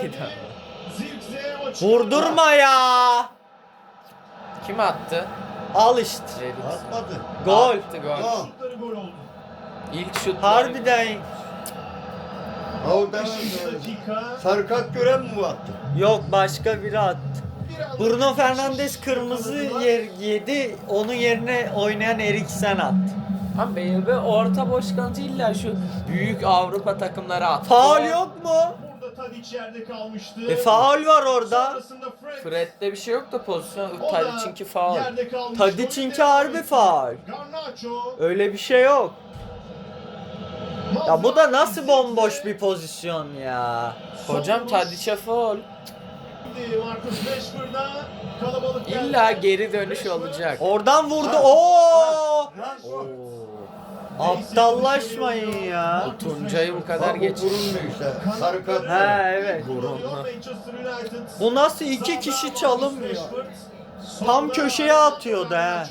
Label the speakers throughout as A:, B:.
A: Zirkze'ydi ama.
B: Zirkze o çıkardı.
C: Vurdurma ya.
A: Kim attı?
C: Al işte.
A: Redik.
D: Atmadı.
C: Gol.
A: Attı gol.
D: Gol.
B: Şutları gol oldu.
A: İlk şut.
C: Harbiden.
D: Orada
B: 5. dakika.
D: sarı kart gören mi attı?
C: Yok, başka biri attı.
B: Bir anda
C: Bruno
B: Beşiktaş
C: Fernandes kırmızı
B: yakaladılar.
C: yedi. Onun yerine oynayan Eriksen attı.
A: Ama be orta boş kalınca illa şu büyük Avrupa takımları attı.
C: Faul yok mu?
B: Burada Tadic yerde kalmıştı.
C: Faul var orada.
B: Sonrasında Fred.
A: Fred'de bir şey yok da pozisyon.
B: O da
A: Tadic'inki faul.
B: yerde kalmış.
C: Tadic'inki harbi faul.
B: Garnacho.
C: Öyle bir şey yok. Ya bu da nasıl bomboş bir pozisyon ya.
A: Hocam Tadic'e faul.
B: Marcus Rashford'a kalabalık geldi.
A: İlla geri dönüş olacak.
C: Oradan vurdu. Oo!
A: Oo.
C: Aptallaşmayın ya.
A: Tuncay'ı bu kadar
D: Bak,
A: geç.
D: bu vurulmuyor işte. Sarı kart.
C: He evet.
B: Manchester United.
C: Bu nasıl iki kişi çalınmıyor? Tam köşeye atıyordu he.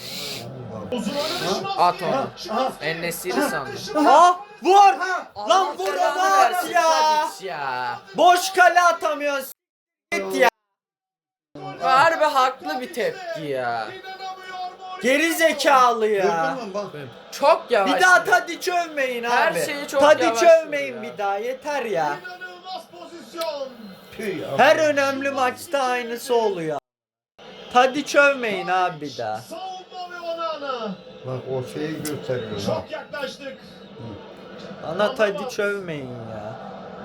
A: At onu. En-Nesyri sandım.
C: Ha vur! Lan
A: Allah
C: vur
A: belanı
C: onu
A: versin
C: at ya.
A: Tadic ya.
C: Boş kale atamıyorsun. S**t ya.
A: Harbi haklı bir tepki ya.
C: Geri zekalı ya.
D: Gördün mü bak.
A: Çok yavaş.
C: Bir daha Tadic övmeyin abi.
A: Her şeyi çok
C: Tadic
A: yavaş
C: övmeyin
A: vuruyor.
C: bir daha, yeter ya.
B: İnanılmaz pozisyon.
D: Tüy ya.
C: Her önemli maçta aynısı oluyor. Tadic övmeyin abi bir daha.
B: Savunma ve Onana.
D: Bak o şeyi gösteriyor. Bak.
B: Çok yaklaştık.
C: Bana Tadic övmeyin ya.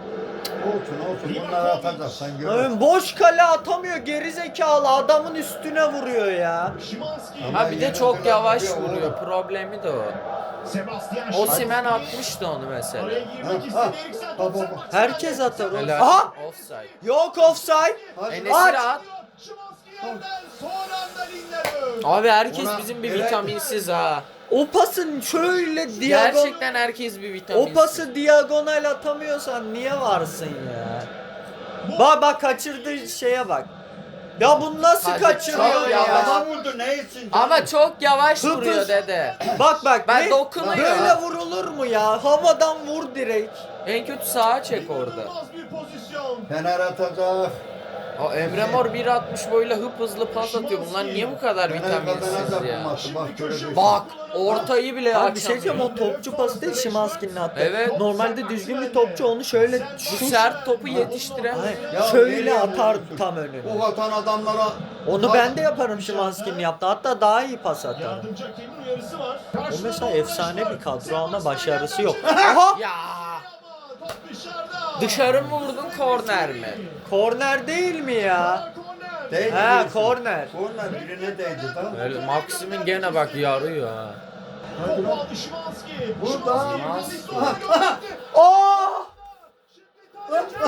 D: Olsun bunları atacaksan gör.
C: Oğlum boş kale atamıyor, geri zekalı adamın üstüne vuruyor ya.
B: Şimanski.
D: Ama
A: Ha bir de
D: yine
A: çok
D: kadar
A: yavaş
D: vuruyor
A: vuruyor.
D: oğlum.
A: Problemi de o.
B: Sebastian
A: Osimhen atmıştı onu mesela.
B: Oraya girmek istedi. Eriksen
D: ha,
B: top
D: ha.
C: Herkes atar.
A: Helal.
C: Aha!
A: Offside.
C: Yok offside.
D: Hadi.
A: En-Nesyri at.
B: Şimanski yerden son anda Lindelöf.
A: Abi herkes
D: Ona-
A: bizim bir
D: Evet.
A: vitaminsiz ha.
C: O pasın şöyle diagonal.
A: Gerçekten herkes bir vitaminsiz.
C: O pası diagonal atamıyorsan niye varsın ya? Bak bak kaçırdığı şeye bak. Ya bunu nasıl
A: Hadi
C: kaçırıyor
A: çok
C: ya?
A: yavaş.
D: Ama vurdu ne etsin?
A: Ama çok yavaş
C: Hıpız.
A: vuruyor dede.
C: Bak bak
A: Ben
C: ne?
A: dokunuyor.
C: Böyle vurulur mu ya? Havadan vur direkt.
A: En kötü sağa çek orada.
B: İnanılmaz bir pozisyon.
D: Fener atacak.
A: O Emre Mor 1.60 boyuyla hıp hızlı pas atıyor. Bunlar niye bu kadar
D: Fener
A: vitaminsiz
D: kazanacak
A: ya?
D: bu maçı. Bak göreceksin.
A: Bak ortayı bile
C: Abi bir şey
A: açamıyor.
C: diyeceğim, o topçu pası değil Şimanski'nin attı.
A: Evet.
C: Normalde düzgün bir topçu onu şöyle
A: Bu sert topu yetiştiremez.
C: Hayır,
D: Ya
C: şöyle
D: nereye
C: atar
D: vuruyorsun?
C: tam önüne.
D: Bu atan adamlara.
C: Onu ben de yaparım Şimanski'nin yaptı. Hatta daha iyi pas atarım.
B: Yardımcı hakemin uyarısı var.
C: O mesela efsane bir kadro ama başarısı yok. Aha!
A: Ya
B: Top dışarıda.
A: dışarı mı vurdun korner mi?
C: Korner değil mi ya?
B: Korner.
D: Değdi
C: He
D: diyorsun.
C: korner.
D: Korner birine değdi tamam mı?
A: Öyle Maksim'in gene bak yarıyor ha.
D: Hadi
B: Topu
D: lan.
B: aldı Şimanski.
D: Burada.
B: Şimanski
A: Şimanski.
B: pozisyon gönderdi.
C: Oh!
B: Şimdi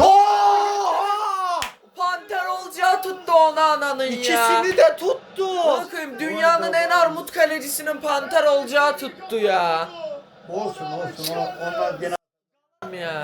C: Oh!
A: Panter olacağı tuttu onu ananın ya.
C: İkisini de tuttu.
A: Bakayım dünyanın en armut kalecisinin panter olacağı tuttu ya.
D: Olsun onlar gene.
A: Ya.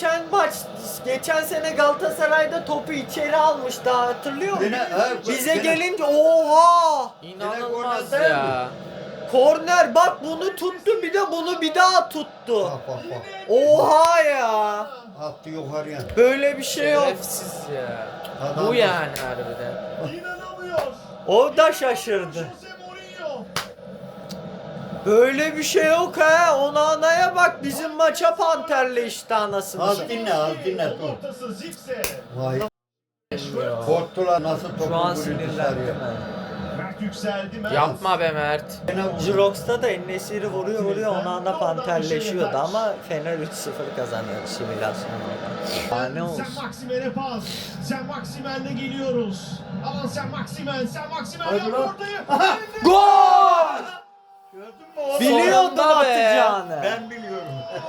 C: Geçen sene Galatasaray'da topu içeri almıştı, hatırlıyor musun?
D: Gene, he,
C: Bize
D: gene-
C: gelince oha!
A: İnanılmaz
D: korner
A: ya.
C: Korner bak, bunu tuttu, bir de bunu bir daha tuttu.
D: Bak.
C: Oha ya!
D: Attı yukarıya.
C: Böyle bir şey yok.
A: Şerefsiz ya.
D: Adam-
A: Bu yani harbiden.
B: İnanamıyor.
C: O da şaşırdı.
B: Jose Mourinho.
C: Böyle bir şey yok ha. Onana'ya bak, bizim maça panterle işte anasını.
D: Az dinle dur.
B: Ortası Zirkze.
D: Vay. Korktular nasıl topu
C: Şu an
D: vuruyor
C: sinirlendim
D: dışarıya.
B: Mert yükseldi. Mert.
A: Yapma be Mert.
D: Gene vurdu.
C: Jirox'ta da En-Nesyri vuruyor Onana panterleşiyordu ama Fener 3-0 kazanıyor simülasyonda. Ne
B: Sen
C: olsun.
B: Maximen'e pas. Sen Maximen'le geliyoruz. Alan sen Maximen. Sen Maximen
D: Hadi
B: yap
D: lan.
B: ortayı.
C: Gol!
D: Gördün mü oğlum?
C: Biliyordum
A: Sonunda be.
C: atacağını.
D: Ben biliyorum.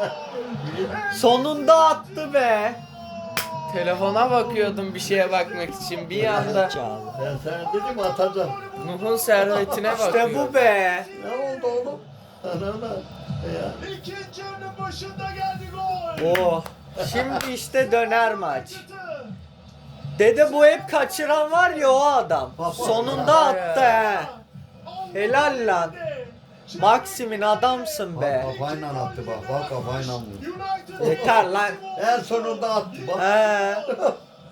C: Sonunda attı be.
A: Telefona bakıyordum bir şeye bakmak için. Bir anda
C: Zekalı.
D: Ben sana dedim atacağım.
A: Nuh'un servetine
C: İşte
A: bakıyordum.
C: bu be.
D: Ne oldu oğlum? Anana. Ya.
B: İkinci yarının başında geldi gol.
C: Oh. Şimdi işte döner maç. Dede bu hep kaçıran var ya, o adam. Sonunda attı he. Helal lan. Maxim'in adamsın be.
D: Bak kafayla attı bak kafayla vurdu.
B: United.
C: Yeter lan.
D: En sonunda attı bak.
C: He.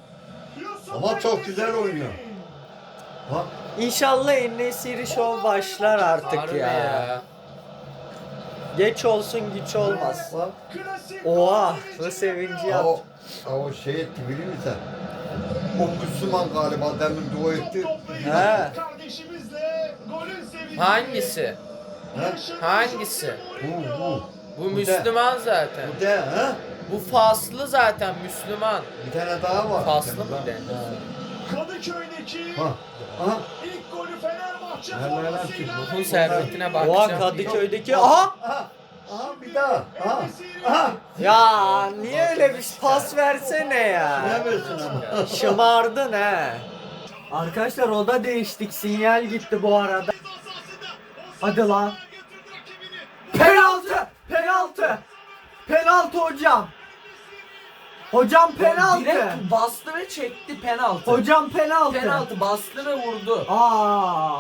D: Ama çok güzel oynuyor. Bak.
C: İnşallah En-Nesyri Show başlar artık
A: Harbi
C: ya. Geç olsun güç olmaz.
D: Bak.
C: Oha bu sevinci yap.
D: O şey etti biliyor musun sen? O Müslüman galiba demin dua etti.
C: He.
B: Kardeşimizle golün sevinci.
A: Hangisi?
D: He?
A: Hangisi?
D: Bu.
A: Bu Müslüman zaten.
D: Bu de ha?
A: Bu faslı zaten Müslüman.
D: Bir tane daha var.
A: Faslı
D: Bir tane
A: mı
D: daha.
A: de?
B: Kadıköy'deki
D: Ha. Aha.
B: ilk golü Fenerbahçe
D: Helal olsun.
B: formasıyla.
A: Ruhun servetine
C: Oha
A: bakacağım.
C: Kadıköy'deki. Aha!
D: Aha. Aha bir daha. Aha. Aha.
C: Ya niye öyle bir pas versene ya.
D: Ne versin ama?
C: Şımardın he. Arkadaşlar oda değiştik. Sinyal gitti bu arada. Hadi lan. Penaltı! Penaltı! Penaltı hocam. Hocam penaltı.
A: Direkt bastı ve çekti penaltı.
C: Hocam penaltı.
A: Penaltı bastı ve vurdu.
C: Aa.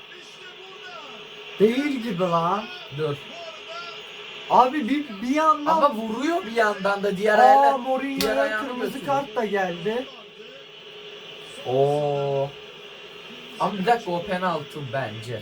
C: Değil gibi lan.
A: Dur.
C: Abi bir yandan
A: Ama vuruyor bir yandan da diğer
C: Aa
A: ayağıyla. diğer
C: Mourinho'ya
A: ayağını
C: kırmızı
A: götürüyor.
C: kart da geldi.
A: Oo. Ama bir dakika o penaltı bence.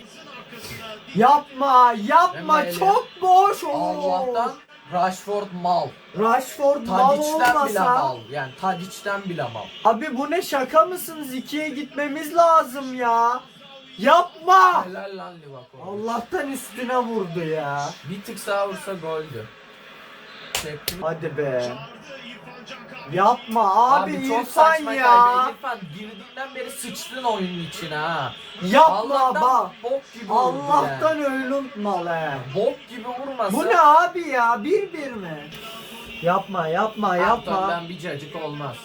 C: Yapma, yapma.
A: Emre.
C: Çok boş. Oo.
A: Allah'tan Rashford mal.
C: Rashford mal
A: Tadic'ten bile
C: olmasa.
A: mal. Yani Tadic'ten bile mal.
C: Abi bu ne şaka mısınız? 2'ye gitmemiz lazım ya. Yapma.
A: Helal lan Livakovic.
C: Allah'tan üstüne vurdu ya.
A: Bir tık sağa vursa goldü. Çekti.
C: Hadi be. Yapma abi,
A: çok
C: İrfan
A: saçma
C: ya.
A: kaybı. İrfan girdiğinden beri sıçtın oyunun içine ha.
C: Yapma
A: Allah'tan
C: bak.
A: bok gibi vurdu
C: Allah'tan
A: yani.
C: öyle unutma he.
A: Bok gibi vurmasa.
C: Bu ne abi ya? 1-1 mi? Yapma yapma yapma.
A: Anton'dan bir cacık olmaz.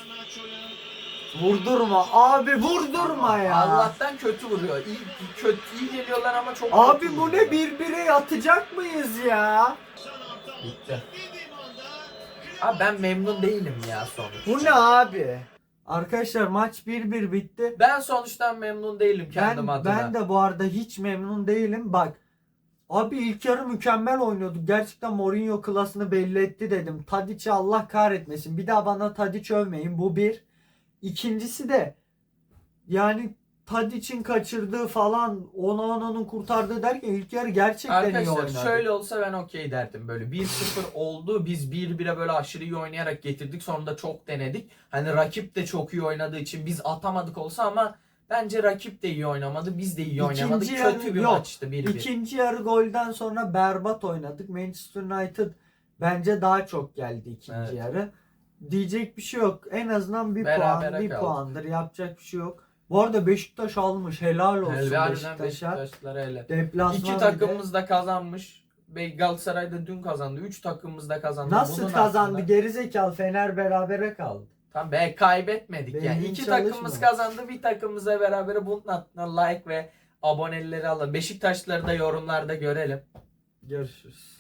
C: Vurdurma abi, vurdurma ya.
A: Allah'tan kötü vuruyor. İyi geliyorlar ama çok kötü
C: Abi bu ne,
A: vuruyorlar.
C: 1-1'e yatacak mıyız ya?
A: Bitti. Abi ben memnun değilim ya sonuç.
C: Bu ne abi? Arkadaşlar maç 1-1 bitti.
A: Ben sonuçtan memnun değilim kendim adına.
C: Ben de bu arada hiç memnun değilim. Bak abi ilk yarı mükemmel oynuyorduk. Gerçekten Mourinho klasını belli etti dedim. Tadic'i Allah kahretmesin. Bir daha bana Tadic övmeyin. Bu bir. İkincisi de yani Tadic'in kaçırdığı falan Onana'nın kurtardığı derken ilk yarı gerçekten iyi
A: Arkadaşlar
C: oynadı.
A: şöyle olsa ben okey derdim. Böyle 1-0 oldu. Biz 1-1'e böyle aşırı iyi oynayarak getirdik. Sonunda çok denedik. Hani rakip de çok iyi oynadığı için biz atamadık olsa ama bence rakip de iyi oynamadı. Biz de iyi oynamadık.
C: İkinci yarı-
A: Kötü bir
C: yok.
A: maçtı 1-1.
C: İkinci yarı golden sonra berbat oynadık. Manchester United bence daha çok geldi ikinci
A: Evet.
C: yarı. Diyecek bir şey yok. En azından bir
A: Berabere
C: puan, bir
A: kaldık.
C: puandır. Yapacak bir şey yok. Bu arada Beşiktaş almış. Helal olsun
A: Harbiden
C: Beşiktaş'a.
A: Beşiktaşlara hele.
C: Deplasman
A: İki
C: bir de.
A: takımımız da kazanmış. Galatasaray da dün kazandı. 3 takımımız da kazandı.
C: Nasıl
A: Bunun
C: kazandı?
A: aslında-
C: Gerizekalı, Fener berabere kaldı.
A: Tam be kaybetmedik
C: Benim
A: yani.
C: hiç
A: İki
C: çalışmıyor.
A: takımımız kazandı. Bir takımımızla beraber bunun altına like ve aboneleri alın. Beşiktaşları da yorumlarda görelim.
C: Görüşürüz.